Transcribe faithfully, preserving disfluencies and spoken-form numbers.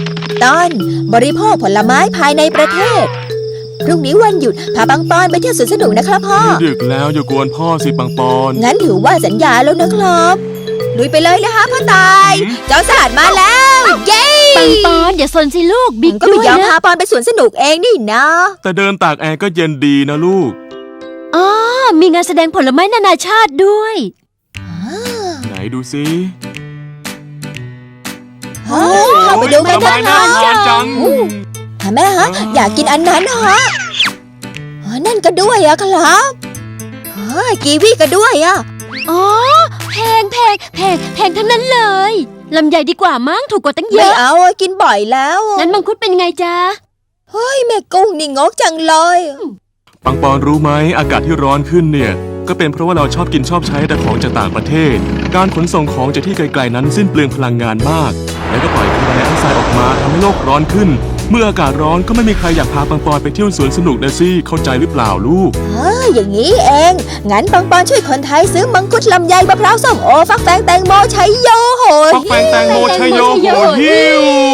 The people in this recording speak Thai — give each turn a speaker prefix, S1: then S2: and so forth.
S1: ตอนบริโภคผลไม้ภายในประเทศพรุ่งนี้วันหยุดพาปังปอนไปเที่ยวสวนสนุกนะครับพ่อ
S2: ดึกแล้วอย่ากวนพ่อสิปังปอน
S1: งั้นถือว่าสัญญาแล้วนะครับลุยไปเลยนะคะพ่อตายเจ้าสลัดมาแล้วเย้
S3: ปังปอนอย่าสนสิลูกบิ๊ก
S1: ก็ไม่ยอมพาปอนไปสวนสนุกเองนี่นะ
S2: แต่เดินตากแอร์ก็เย็นดีนะลูก
S3: อ๋อมีงานแสดงผลไม้นานาชาติด้วย
S2: ไหนดูสิ
S1: เฮ้ยเข้าไปดูกันนะ
S2: น่าทานจัง
S1: แม่ฮะอยากกินอันนั้นฮะนั่นก็ด้วยอะครับกีวีก็ด้วยอะ
S3: อ๋อแพงแพงแพงแพงทั้งนั้นเลยลำไยดีกว่ามั้งถูกกว่าตั้งเยอะ
S1: ไม่เอากินบ่อยแล้ว
S3: งั้นมังคุดเป็นไงจ๊ะ
S1: เฮ้ยแม่กุ้งนี่งกจังเลย
S2: ปังปอนรู้ไหมอากาศที่ร้อนขึ้นเนี่ยก็เป็นเพราะว่าเราชอบกินชอบใช้แต่ของจากต่างประเทศการขนส่งของจากที่ไกลๆนั้นสิ้นเปลืองพลังงานมากแล้วก็ปล่อยคาร์บอนไดออกไซด์ออกมาทำให้โลกร้อนขึ้นเมื่ออากาศร้อนก็ไม่มีใครอยากพาปังปอนไปเที่ยวสวนสนุกนะสิเข้าใจหรือเปล่าลูก
S1: เอออย่างนี้เองงั้นปังปอนช่วยคนไทยซื้อมังคุดลำไยมะพร้าวส้มโอฟักแฟงแตงโมชัยโยโห
S2: ฟักแฟงแตงโมชัยโยโหฮิว